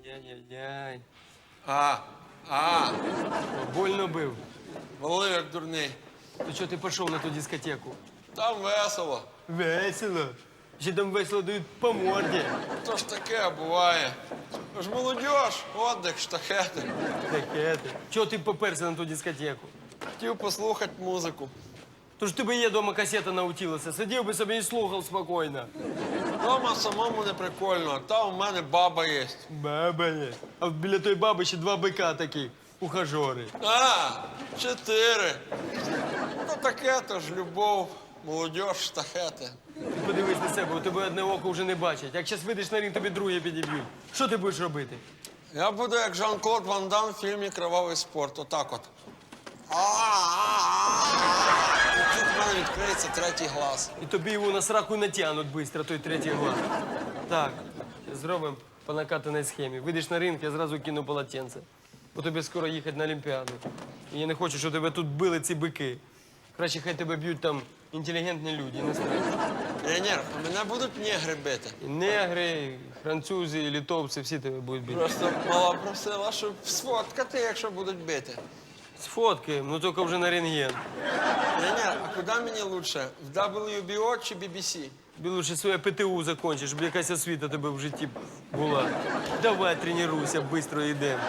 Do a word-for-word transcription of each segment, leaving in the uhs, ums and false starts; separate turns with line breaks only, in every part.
Яй-яй-яй.
А, а,
Больно бив.
валив як дурний.
То чого ти пішов на ту дискотеку?
Там весело.
Весело. Ще там весело дають по морді.
То ж таке буває. Ви ж молодіж, отдих, штахети.
Таке ти. Чого ти поперся на ту дискотеку?
Хотів послухати музику.
Тож тебе є дома касета наутілася. Сидів би собі і слухав спокійно.
Дома самому не прикольно, а там у мене баба є.
Баба є. А біля той баби ще два бика такі. Ухажори.
А, чотири. Ну таке то ж любов, молодіж, штахети.
Ти подивись на себе, у тебе одне око вже не бачить. Як зараз вийдеш на ринг, тобі друге підіб'ють. Що ти будеш робити?
Я буду як Жан-Клод Ван Дам в фільмі «Кривавий спорт». Отак от. І тут в мене відкриється третій глаз.
І тобі його на сраку натягнуть швидко, той третій глаз. Так, зробимо по накатаній схемі. Вийдеш на ринг, я зразу кину полотенце. Бо тобі скоро їхати на Олімпіаду. І я не хочу, щоб тебе тут били ці бики. Краще хай тебе б'ють там інтелігентні люди, не страшно.
Тренер, а мене будуть негри бити.
І негри, і французи, і литовці, всі тебе будуть бити.
Просто мала просила, щоб сфоткати, якщо будуть бити.
Сфоткаємо, ну тільки вже на рентген.
Тренер, а куди мені лучше? В дабл ю бі о чи бі бі сі?
Тобі лучше своє пе те у закінчиш, щоб якась освіта тебе в житті була. Давай тренуйся, швидко йдемо.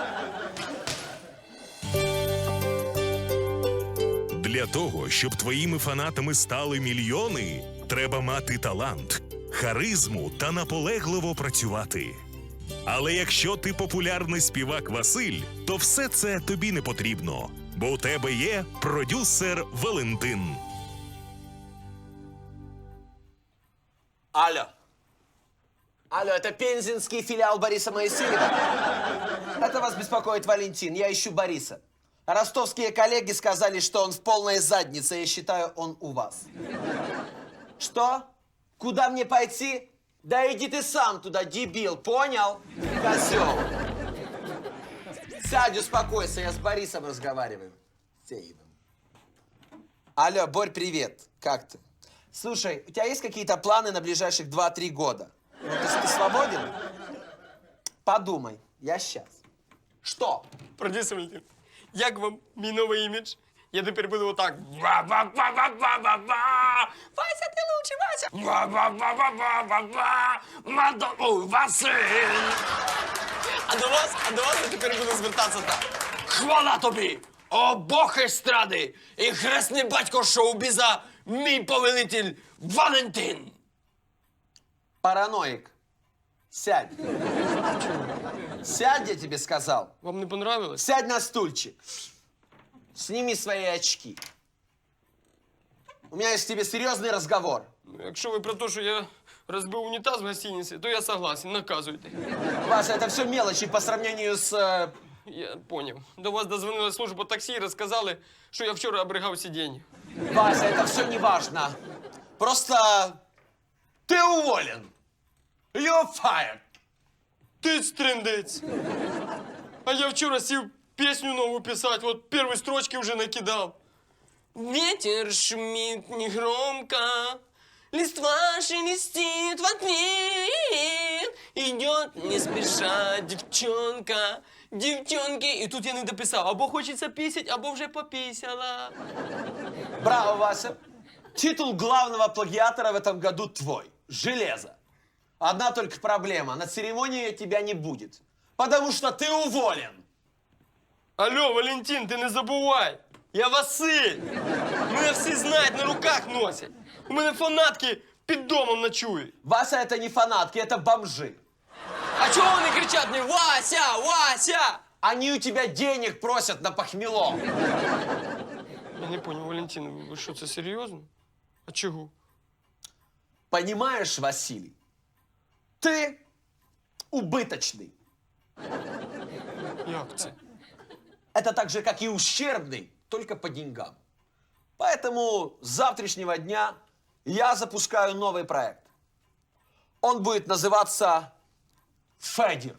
Для того, щоб твоїми фанатами стали мільйони, треба мати талант, харизму та наполегливо працювати. Але якщо ти популярний співак Василь, то все це тобі не потрібно, бо у тебе є продюсер Валентин.
Алло. Алло, это пензенский филиал Бориса Моисеева? Это вас беспокоит Валентин, я ищу Бориса. Ростовские коллеги сказали, что он в полной заднице, я считаю, он у вас. Что? Куда мне пойти? Да иди ты сам туда, дебил, понял? Козел. Сядь, успокойся, я с Борисом разговариваю. Сеевым. Алло, Борь, привет. Как ты? Слушай, у тебя есть какие-то планы на ближайших два-три года? Ну, ты, ты свободен? Подумай, я сейчас. Что?
Продюсер Валентин, як вам мій новий імідж? Я тепер буду отак. Ва-ва-ва-ва-ва-ва! Вася, ти лучший, Вася! Ва-ва-ва-ва-ва-ва! Мадо... Василь!
А до вас, а до вас я тепер буду звертатися так.
Хвала тобі! О, Бог естради! І хресний батько шоу-біза, мій повелитель Валентин!
Параноик. Сядь. Сядь, я тебе сказал.
Вам не понравилось?
Сядь на стульчик. Сними свои очки. У меня есть к тебе серьезный разговор.
Якщо ви про те, що я розбив унітаз в гостиниці, то я согласен, наказуйте.
Вася, это все мелочи по сравнению с... э,
Я поняв. До вас дозвонила служба таксі і розказали, що я вчора обригав сидіння.
Вася, это все не важно. Просто ты уволен. You're fired.
Ти стриндець. А я вчора сів пісню нову писати, от перші строчки вже накидав. Ветер шумит негромко, листва шелестит в ответ, идет не спеша девчонка, девчонки. І тут я не дописав, або хочеться пісять, або вже попісяла.
Браво, Вася. Титул главного плагиатора в этом году твой. Железо. Одна только проблема. На церемонии тебя не будет. Потому что ты уволен.
Алло, Валентин, ти не забувай. Я Василь. Мене всі знають, на руках носять. У мене фанатки під домом ночують.
Вася, это не фанатки, это бомжи.
А чого вони кричать мені Вася, Вася?
Они у тебя денег просят на похмело.
Я не понял, Валентин, ви що, це серйозно? А чого?
Понимаешь, Василий, ты убыточный.
Як це?
Это так же, как и ущербный, только по деньгам. Поэтому с завтрашнего дня я запускаю новый проект. Он будет называться Федір.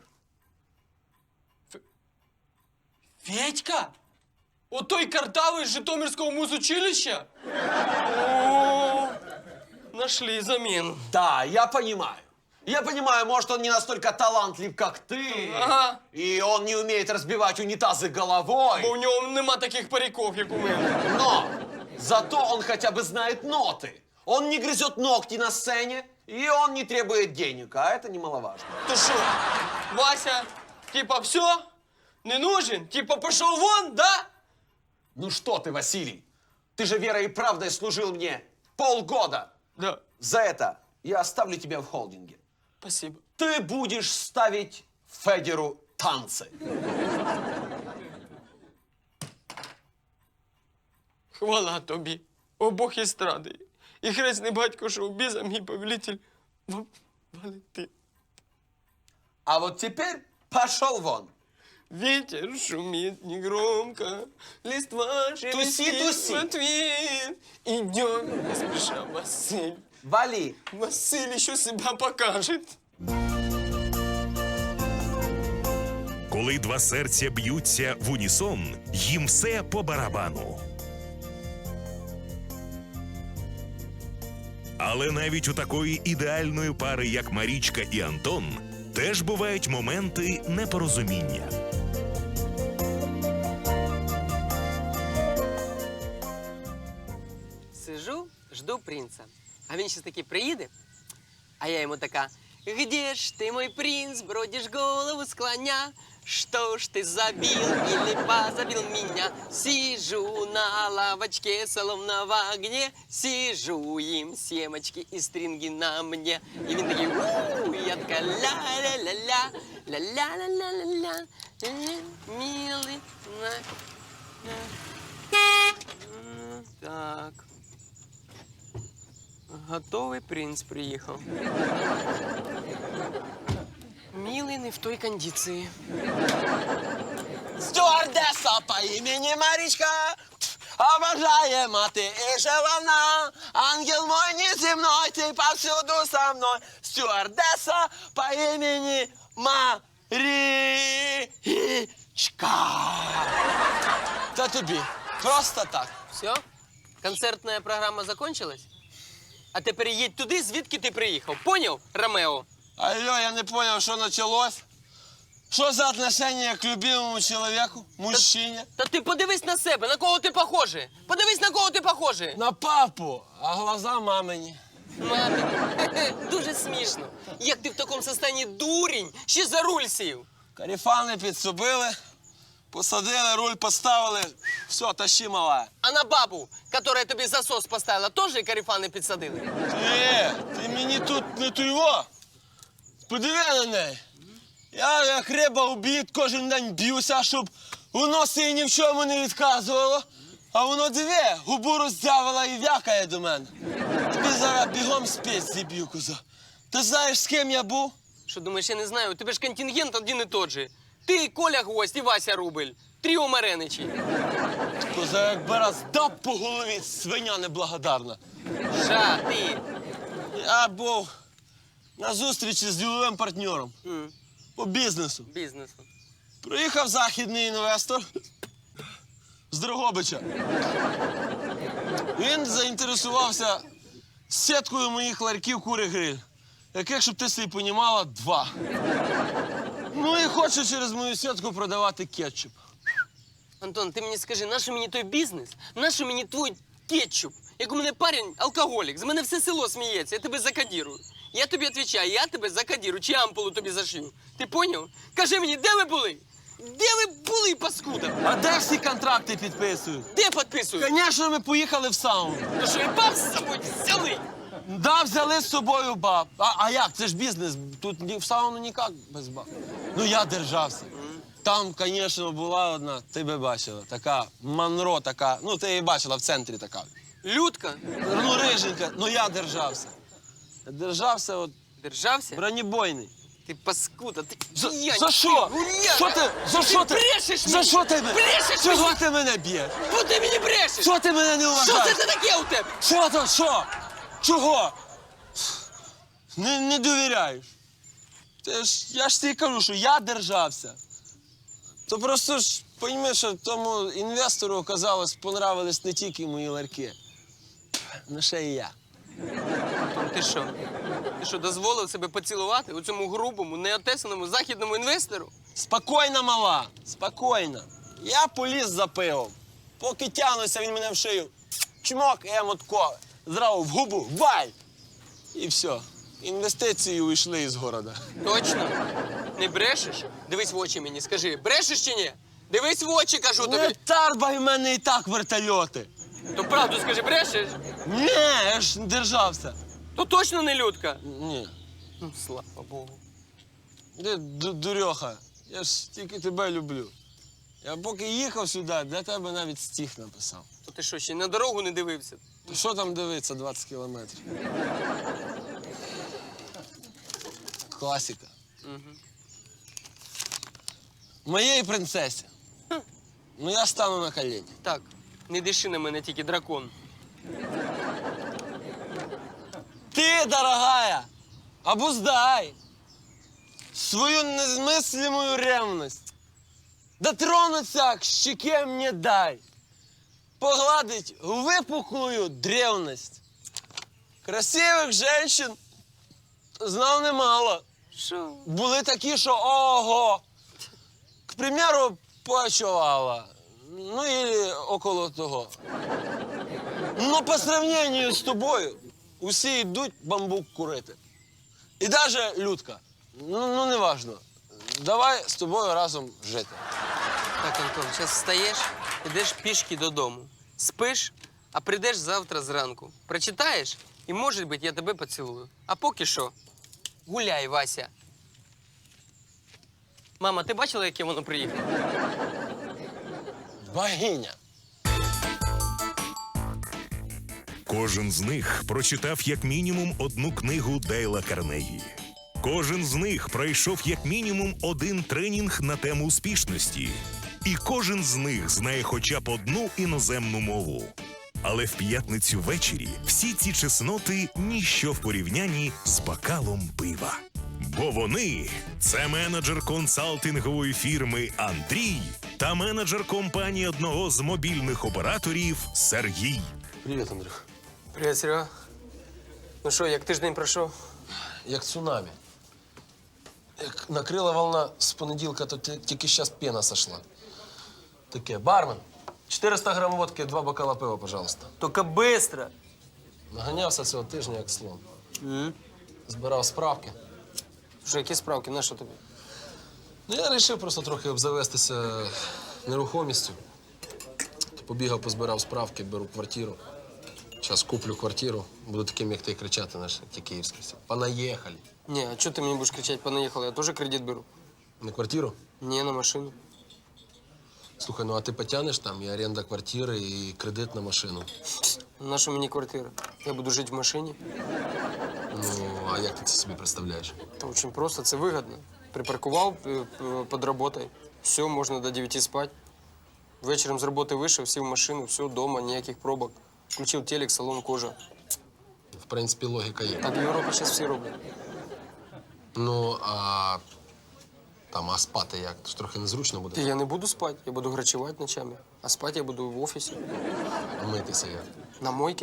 Федька? Отой картавий з Житомирського музучилища? О, нашли заміну.
Да, я понимаю. Я понимаю, может, он не настолько талантлив, как ты.
Ага.
И он не умеет разбивать унитазы головой.
Бо у нього нема таких париков, як у мене.
Но зато он хотя бы знает ноты. Он не грызет ногти на сцене, и он не требует денег, а это немаловажно.
То що, Вася, типа, все? Не нужен? Типа, пошел вон, да?
Ну что ты, Василий, ты же верой и правдой служил мне полгода.
Да.
За это я оставлю тебя в холдинге.
Спасибо.
Ты будешь ставить Федеру танцы.
Хвала тобі, о Бог естради. І хресний батько шоу-біза, мій повелитель Ва- Валентин.
А вот теперь пошел вон.
Ветер шумит негромко, листва шелестит
туси.
в ответ. Идем, не спеша, Василь.
Вали.
Василь еще себя покажет.
Коли два серця б'ються в унісон, їм все по барабану. Але навіть у такої ідеальної пари, як Марічка і Антон, теж бувають моменти непорозуміння.
Сижу, жду принца. А він ще таки приїде, а я йому така: «Где ж ты, мой принц, бродишь голову склоня? Что ж ты забил или позабил меня? Сижу на лавочке, словно в огне, сижу, им семечки и стринги на мне». І він такий: «У-у-у», і я така: «Ля-ля-ля-ля, ля-ля-ля-ля-ля, милый». на- на- Так. Готовий принц приїхав. Милий не в той кондиції.
Стюардесса по имени Маричка, обожаема ты и желанна, ангел мой неземной, ты повсюду со мной. Стюардесса по имени Маричка. Та тобі, просто так.
Все? Концертна програма закончилась? А тепер їдь туди, звідки ти приїхав. Поняв, Ромео?
Алло, я не понял, что началось. Что за отношение к любимому человеку, мужчине?
Та ти подивись на себе, на кого ти похожий. Подивись, на кого ти похожий.
На папу, а глаза мамині.
Мамі, хе-хе, дуже смішно. Як ти в такому стані дурень, ще за руль сів.
Каріфани підсобили, посадили, руль поставили. Все, тащи, мала.
А на бабу, яка тобі засос поставила, теж карифани підсадили?
Ти, ти мені тут не туйво. Подиви на неї. Я як риба у бід кожен день б'юся, щоб воно си ні в чому не відказувало. А воно диви, губу роздявила і вякає до мене. Тобі зараз бігом спець зіб'ю, коза. Ти знаєш, з ким я був?
Що думаєш, я не знаю? У тебе ж контингент один і тот же. Ти, Коля Гвоздь і Вася Рубль. Тріо Мареничі.
Коза, якби раз дав по голові, свиня неблагодарна.
Ша, ти.
Я був на зустрічі з діловим партнером
М,
по бізнесу.
Бізнесу.
Приїхав західний інвестор з Дрогобича. Він заінтересувався сіткою моїх ларьків кури-гриль, яких, щоб ти собі понімала, два. Ну і хоче через мою сітку продавати кетчуп.
Антон, ти мені скажи, нащо мені той бізнес? Нащо мені твій кетчуп? Як у мене парень алкоголік, з мене все село сміється, я тебе закодірую. Я тобі відповідаю, я тебе закодірую, чи ампулу тобі зашию. Ти поняв? Кажи мені, де ви були? Де ви були, паскуда?
А де всі контракти підписують?
Де підписують?
Звісно, ми поїхали в сауну.
Ну що, і баб з собою взяли?
Да, взяли з собою баб. А, а як? Це ж бізнес. Тут ні, в сауну ніяк без баб. Ну я держався. Там, звісно, була одна, ти би бачила, така Монро, така, ну ти її бачила в центрі така.
Людка,
Ну, риженька, ну я держався. Я держався, от,
держався?
бронебойний.
Ти паскуда, ти
За,
п'янь,
за
ти
що?
гуляка.
Що ти? За що ти?
брешеш
За
мені?
що ти мене?
Брешеш
Чого
мені?
ти мене б'єш?
Бо ти мені брешеш!
Що ти мене не
Що
вважаєш?
це таке у тебе?
Що то? Що? Чого? Не, не довіряєш. Ти ж, я ж тобі кажу, що я держався. То просто ж, розумієш, що тому інвестору, оказалось, понравились не тільки мої ларки, але ще й я.
Антон, ти що? Ти що, дозволив себе поцілувати у цьому грубому, неотесаному західному інвестору?
Спокійно, мала, спокійно. Я поліз за пивом. Поки тягнуся, він мене в шию. Чмок, і я мотко. Зразу в губу, валь! І все. Інвестиції уйшли із города.
Точно? Не брешеш? Дивись в очі мені, скажи, брешеш чи ні? Дивись в очі, кажу
Не
тобі.
тарбай в мене і так вертольоти.
То правду скажи, брешеш?
Ні, я ж не держався.
То точно не людка.
Ні.
Ну, слава Богу.
Ти ду- дурьоха, я ж тільки тебе люблю. Я поки їхав сюди, для тебе навіть стих написав.
То ти що, ще й на дорогу не дивився?
То що там дивиться двадцять кілометрів? Класика. Моєї принцесі. Ну я стану на колені.
Так, не диши на мене тільки дракон.
Ты, дорогая, обуздай свою незмыслимую ревность. Дотронуться к щеке мне дай. Погладить выпуклую древность. Красивих женщин знав немало.
Що?
Були такі, що ого. К примеру, почувала. Ну, или около того. Но по сравнению з тобою усі йдуть бамбук курити. І навіть Людка. Ну, ну не важно. Давай з тобою разом жити.
Так, Антон, зараз встаєш, ідеш пішки додому. Спиш, а прийдеш завтра зранку. Прочитаєш, і, може бути, я тебе поцілую. А поки що, гуляй, Вася. Мама, ти бачила, яке воно приїхало?
Богиня.
Кожен з них прочитав як мінімум одну книгу Дейла Карнегі. Кожен з них пройшов як мінімум один тренінг на тему успішності. І кожен з них знає хоча б одну іноземну мову. Але в п'ятницю ввечері всі ці чесноти – ніщо в порівнянні з бокалом пива. Бо вони – це менеджер консалтингової фірми Андрій та менеджер компанії одного з мобільних операторів Сергій.
Привіт, Андрюх.
Привіт, Серега. Ну що, як тиждень пройшов?
Як цунамі. Як накрила волна з понеділка, то ті- тільки зараз пена сошла. Таке, бармен, чотириста грам водки, два бокала пива, пожалуйста.
Тільки швидко.
Наганявся цього тижня, як слон. Збирав справки.
Що, які справки, на що тобі?
Ну, я вирішив просто трохи обзавестися нерухомістю. Побігав, позбирав справки, беру квартиру. Зараз куплю квартиру, буду таким, як ти, кричати, наш, ті київські всі. Понаїхали.
Ні, а чого ти мені будеш кричати, понаїхали? Я теж кредит беру.
На квартиру?
Ні, на машину.
Слухай, ну а ти потягнеш там і оренда квартири, і кредит на машину.
На що мені квартира? Я буду жити в машині.
Ну, а як ти це собі представляєш?
Та дуже просто, це вигідно. Припаркував е, е, під роботою, все, можна до дев'яти спати. Вечором з роботи вийшов, сів в машину, все, вдома, ніяких пробок. Включив телек, салон кожа.
В принципі, логіка є.
Так в Європі зараз всі роблять.
Ну, а там, а спати як? Тож трохи незручно буде.
І я не буду спати, я буду грачувати ночами. А спати я буду в офісі,
Митися як.
на мойці.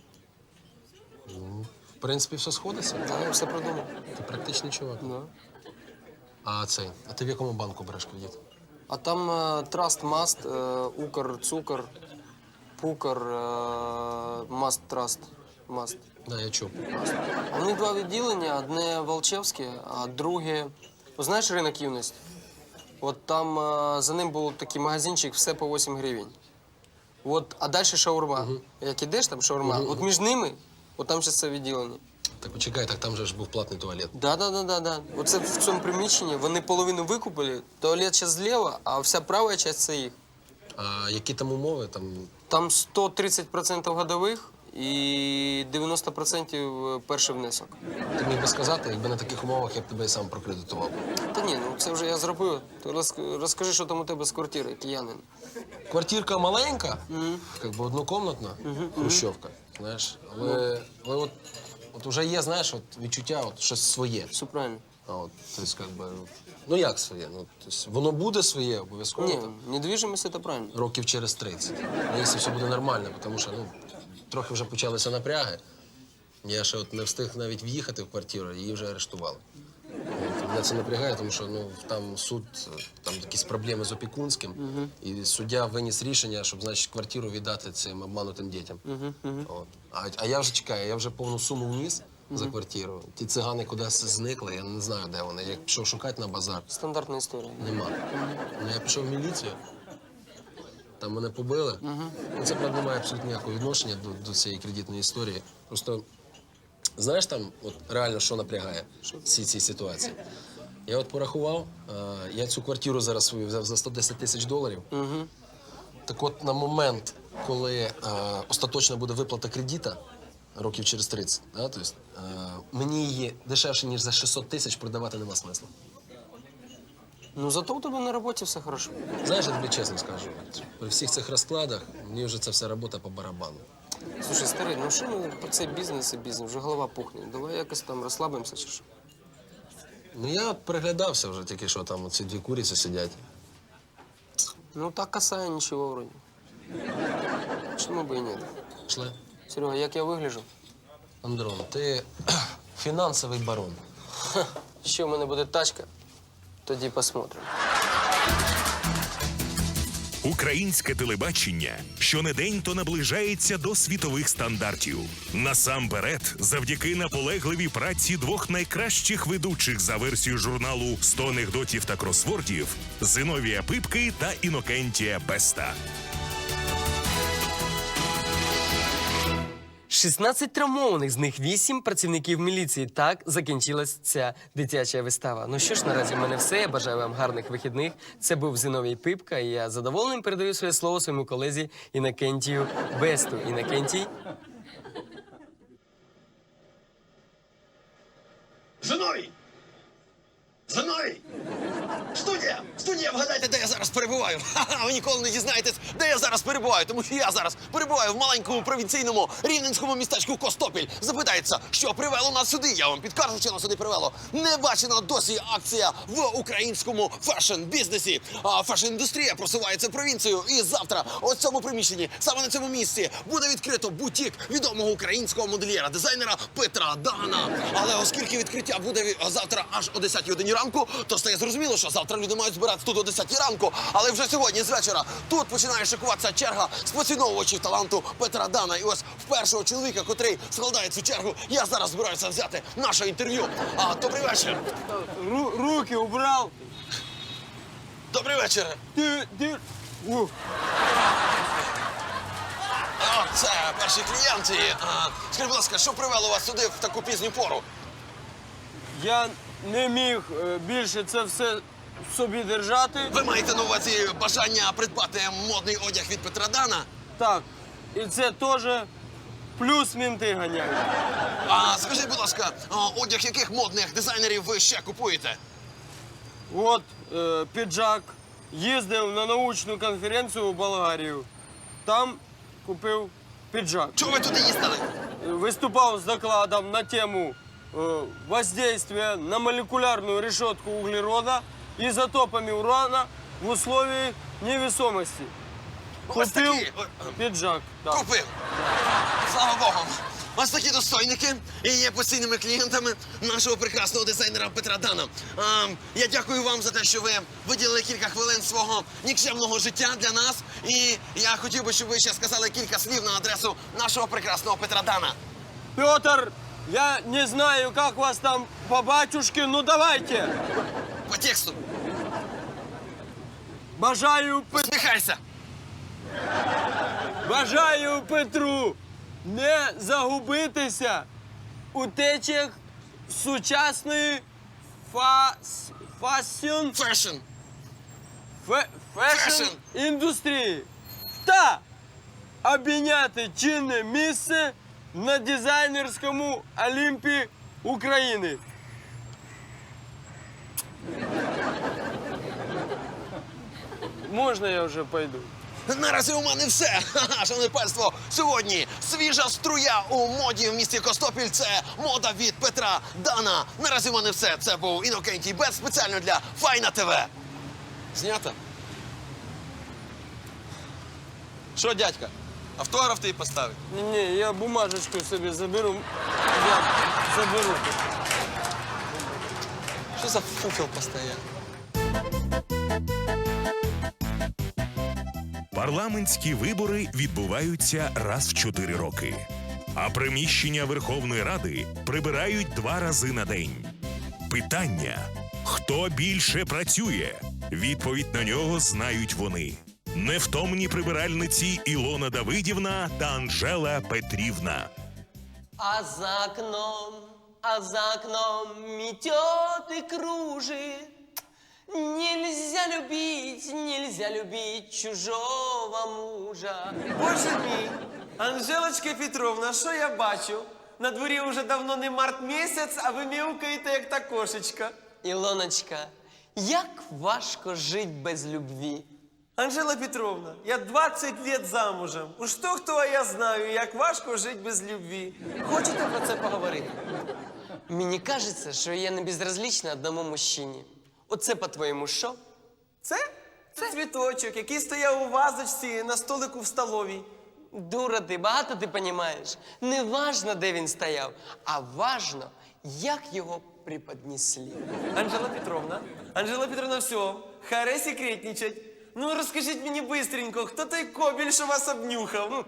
В принципі, все сходиться.
Да, я все продумав.
Ти практичний чувак.
Да.
А цей, а ти в якому банку береш кредит?
А там е, Траст Маст, е, Укр, Цукор, Пукр, е, Маст Траст, Маст.
Да, я чув.
А в них два відділення, одне Волчевське, а друге. Ну, знаєш ринок юності? От там е, за ним був такий магазинчик, все по вісім гривень. От, а далі шаурма. Як ідеш, там шаурма. От між ними, от там зараз це відділення.
Так почекай, так там же ж був платний туалет.
Да, да, да, да, да. Оце в цьому приміщенні вони половину викупили, туалет зараз зліва, а вся права частина це їх.
А які там умови? Там
Там сто тридцять відсотків годових і дев'яносто відсотків перший внесок.
ти міг би сказати, якби на таких умовах я б тебе і сам прокредитував.
Та ні, ну це вже я зробив. Ти роз- розкажи, що там у тебе з квартири, киянин.
Квартирка маленька, як би однокомнатна, хрущовка, знаєш. Але, але от, от вже є, знаєш, от відчуття, от щось своє.
Все правильно.
А от, тобто, як би, ну як своє? Ну, тобто, воно буде своє обов'язково.
Ні,
там,
недвіжимость це правильно.
років через тридцять. Ну, якщо все буде нормально, тому що ну, трохи вже почалися напряги. Я ще от не встиг навіть в'їхати в квартиру, її вже арештували. От, мене це напрягає, тому що ну, там суд, там якісь проблеми з опікунським, і суддя виніс рішення, щоб, значить, квартиру віддати цим обманутим дітям. От. А, а я вже чекаю, я вже повну суму вніс за квартиру. Ті цигани кудись зникли, я не знаю, де вони. Я пішов шукати на базар.
Стандартна історія.
Нема. Ну, я пішов в міліцію, там мене побили. Ну, це, правда, не має абсолютно ніякого відношення до, до цієї кредитної історії. Просто, знаєш, там от реально що напрягає всі ці ситуації? Я от порахував, е, я цю квартиру зараз свою взяв за сто десять тисяч доларів. Так от на момент, коли е, остаточно буде виплата кредита, років через тридцять, да, тобто, е, мені її дешевше, ніж за шістсот тисяч продавати нема смисла.
Ну, зато у тебе на роботі все хорошо.
Знаєш, я тобі чесно скажу, при всіх цих розкладах мені вже ця вся робота по барабану.
Слушай, старий, ну що ми про цей бізнес і бізнес? Вже голова пухне. Давай якось там розслабимося чи що?
Ну я от переглядався вже тільки що там ці дві куриці сидять.
Ну, так касає нічого вроді. Чому би і ні?
Пішли.
Серега, як я вигляджу?
Андрон, ти фінансовий барон.
Ще в мене буде тачка, тоді посмотримо.
Українське телебачення щонедень то наближається до світових стандартів. Насамперед, завдяки наполегливій праці двох найкращих ведучих за версією журналу «сто анекдотів та кросвордів» Зиновія Пипки та Інокентія Беста.
шістнадцять травмованих, з них вісім працівників міліції. Так закінчилась ця дитяча вистава. Ну що ж, наразі в мене все. Я бажаю вам гарних вихідних. Це був Зиновій Пипка, і я з задоволенням передаю своє слово своєму колезі Інокентію Бесту. Інокентій.
Зиновій! Зиновій! Студія! Студія, вгадайте, де я зараз перебуваю. Ха-ха, ви ніколи не дізнаєтесь, де я зараз перебуваю, тому що я зараз перебуваю в маленькому провінційному рівненському містечку Костопіль. Запитається, що привело нас сюди. Я вам підкажу, що нас сюди привело. Не бачена досі акція в українському фешн-бізнесі. А фешн-індустрія просувається провінцією. І завтра у цьому приміщенні, саме на цьому місці, буде відкрито бутік відомого українського модельєра, дизайнера Петра Дана. Але оскільки відкриття буде завтра аж о десятій годині ранку, то стає зрозуміло, що завтра люди мають збиратися тут о десятій ранку. Але вже сьогодні з вечора тут починає шикуватися черга з поціновувачів таланту Петра Дана. І ось в першого чоловіка, котрий складає цю чергу, я зараз збираюся взяти наше інтерв'ю. А, добрий вечір.
Ру- руки убрав.
Добрий вечір.
Ти, ти... Ух.
А, це перші клієнти. А, скажіть, будь ласка, що привело вас сюди в таку пізню пору?
Я не міг е, більше це все собі держати.
Ви маєте на увазі бажання придбати модний одяг від Петра Дана?
Так. І це теж плюс мінти ганяють.
А скажіть, будь ласка, а, одяг яких модних дизайнерів ви ще купуєте?
От е, піджак. Їздив на научну конференцію в Болгарію. Там купив піджак.
Чого ви туди їздили?
Выступал с докладом на тему э, воздействия на молекулярную решетку углерода изотопами урана в условии невесомости.
Ось
Купил
такі. О,
пиджак. Да.
Купив. Слава Богу. Ось такі достойники і є постійними клієнтами нашого прекрасного дизайнера Петра Дана. А, я дякую вам за те, що ви виділили кілька хвилин свого нікчемного життя для нас. І я хотів би, щоб ви ще сказали кілька слів на адресу нашого прекрасного Петра Дана.
Петр, я не знаю, как вас там по батюшке, ну давайте.
По тексту.
Бажаю, Пет...
Усміхайся.
Бажаю Петру не загубитися у течіях сучасної фас... фасіон...
Фешн.
Фе- фешн
Фешн.
індустрії та обійняти чинне місце на дизайнерському Олімпі України. Можна я вже пойду?
Наразі у мене все. Ха-ха, шановне панство, сьогодні свіжа струя у моді в місті Костопіль. Це мода від Петра Дана. Наразі у мене все. Це був Інокентій Бест спеціально для Файна ТВ. Знято? Що, дядька?
Автограф тобі поставить.
Ні, я бумажечку собі заберу. Я заберу.
Що за фуфел постає?
Парламентські вибори відбуваються раз в чотири роки, а приміщення Верховної Ради прибирають два рази на день. Питання – хто більше працює? Відповідь на нього знають вони. Невтомні прибиральниці Ілона Давидівна та Анжела Петрівна.
А за окном, а за окном метет и кружит. Нельзя любить, нельзя любить чужого мужа.
Боже мій, Анжелочка Петровна, що я бачу? На дворі вже давно не март місяць, а ви мяукаєте, як та кошечка.
Ілоночка, як важко жить без любві.
Анжела Петровна, я двадцять лет замужем. Уж то хто, а я знаю, як важко жити без любві. Хочете про це поговорити?
Мені кажеться, що я не безразлічна одному мужчині. Оце, по-твоєму, що?
Це? Це цвіточок, який стояв у вазочці на столику в столовій.
Дура ти, багато ти понімаєш. Не важно, де він стояв, а важно, як його преподнесли.
Анжела Петровна, Анжела Петровна, все, харе секретничать. Ну, розкажіть мені бистренько, хто той кобіль, що вас обнюхав?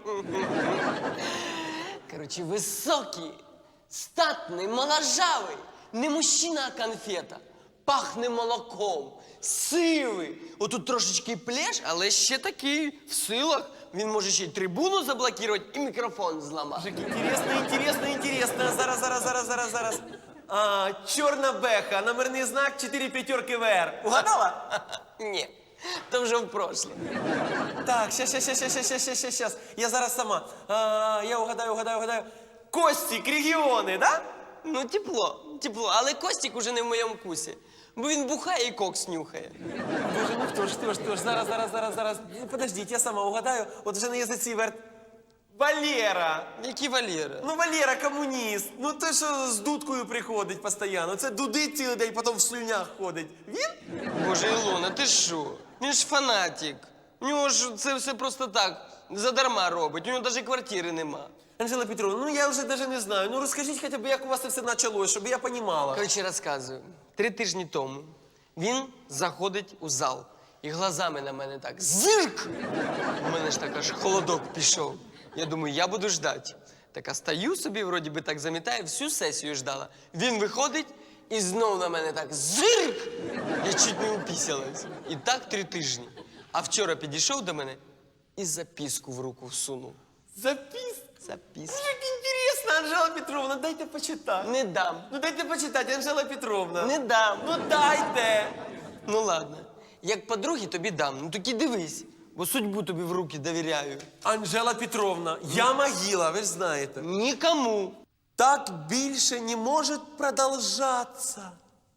Короче, високий, статний, моложавий. Не мужчина, а конфета. Пахне молоком, сивий. Отут трошечки плеш, але ще такий в силах. Він може ще й трибуну заблокувати і мікрофон зламати.
Інтересно, інтересно, інтересно. Зараз, зараз, зараз, зараз, зараз. А, чорна беха, номерний знак чотири п'ятерки ВР. Угадала?
Ні, то вже в прошлом.
Так, щас, щас, щас, щас, щас, щас, щас, щас, щас. Я зараз сама. А, я угадаю, угадаю, угадаю. Костік, регіони, да?
Ну, тепло, тепло. Але Костік уже не в моєму вкусі. Бо він бухає і кокс нюхає.
Боже, ну хто ж, хто ж, хто ж. Зараз, зараз, зараз, зараз. Ну, подождіть, я сама угадаю. От вже на язиці верт. Валера.
Який Валера?
Ну, Валера комуніст. Ну, той, що з дудкою приходить постійно. Це дудить цілий день, потім в слюнях ходить. Він?
Боже, Ілона, ти що? Він ж фанатик. У нього ж це все просто так, задарма робить. У нього навіть квартири нема.
Анжела Петровна, ну я вже навіть не знаю. Ну розкажіть хоча б, як у вас це все почалось, щоб я розуміла.
Коротше, розказую. Три тижні тому він заходить у зал і глазами на мене так зирк! У мене ж так аж холодок пішов. Я думаю, я буду ждати. Так, а стою собі, вроді би так замітаю, всю сесію ждала. Він виходить і знов на мене так зирк! Я чуть не упісялась. І так три тижні. А вчора підійшов до мене і записку в руку всунув.
Запис.
Записку.
Як інтересно, Анжела Петровна, дайте почитати.
Не дам.
Ну дайте почитати, Анжела Петровна.
Не дам.
Ну дайте.
Ну ладно. Як подруги тобі дам, ну таки дивись, бо судьбу тобі в руки довіряю.
Анжела Петровна, я могила, ви ж знаєте.
Нікому.
Так більше не може продовжатися.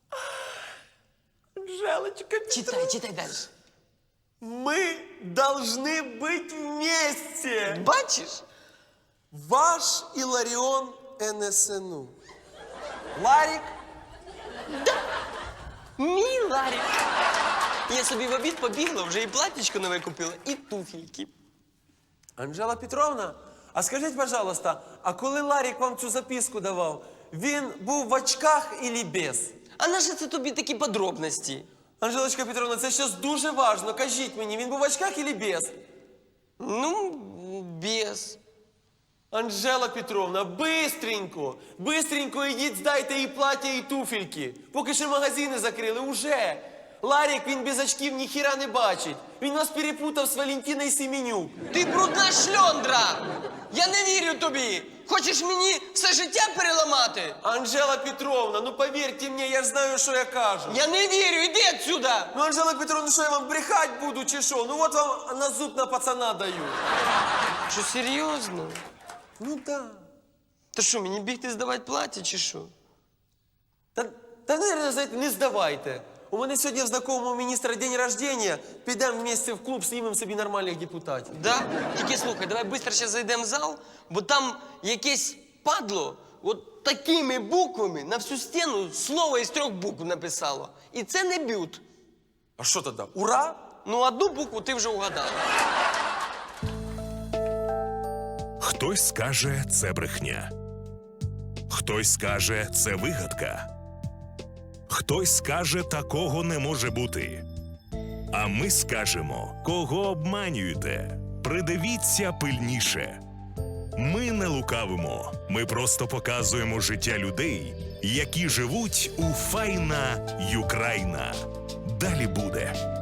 Анжелочка Петровна.
Читай, читай далі.
Мы должны быть вместе.
Бачиш?
Ваш Іларіон ен ес ен у. Ларік.
Мій Ларік. Я собі в обід побігла, вже і платічко нове купила, і туфельки.
Анжела Петровна, а скажіть, пожалуйста, а коли Ларік вам цю записку давав, він був в очках или без?
А наше це тобі такі подробності?
Анжелочка Петровна, це щось дуже важливо. Кажіть мені, він був в очках или без?
Ну, без.
Анжела Петровна, бистренько, бистренько ідіть, здайте і плаття, і туфельки. Поки ще магазини закрили, уже. Ларік, він без очків ніхіра не бачить. Він вас перепутав з Валентиною Семенюк.
Ти брудна шльондра! Я не вірю тобі! Хочеш мені все життя переламати?
Анжела Петровна, ну повірте мені, я ж знаю, що я кажу.
Я не вірю, іди отсюда!
Ну, Анжела Петровна, що я вам брехать буду, чи що? Ну от вам на зуб на пацана даю.
Що, серйозно?
Ну да.
Та що, мені бігти здавати плаття, чи що?
Та, та наверное, знаєте, не здавайте. У мене сьогодні в знакомого міністра день рождения. Підемо вместе в клуб, знімемо собі нормальних депутатів.
Да? Тільки слухай, давай швидко ще зайдемо в зал, бо там якесь падло от такими буквами на всю стіну слово із трьох букв написало. І це не бют.
А що тоді? Ура?
Ну, одну букву ти вже угадала.
Хтось скаже, це брехня. Хтось скаже, це вигадка. Хтось скаже, такого не може бути. А ми скажемо, кого обманюєте. Придивіться пильніше. Ми не лукавимо, ми просто показуємо життя людей, які живуть у файна Юкраїна. Далі буде.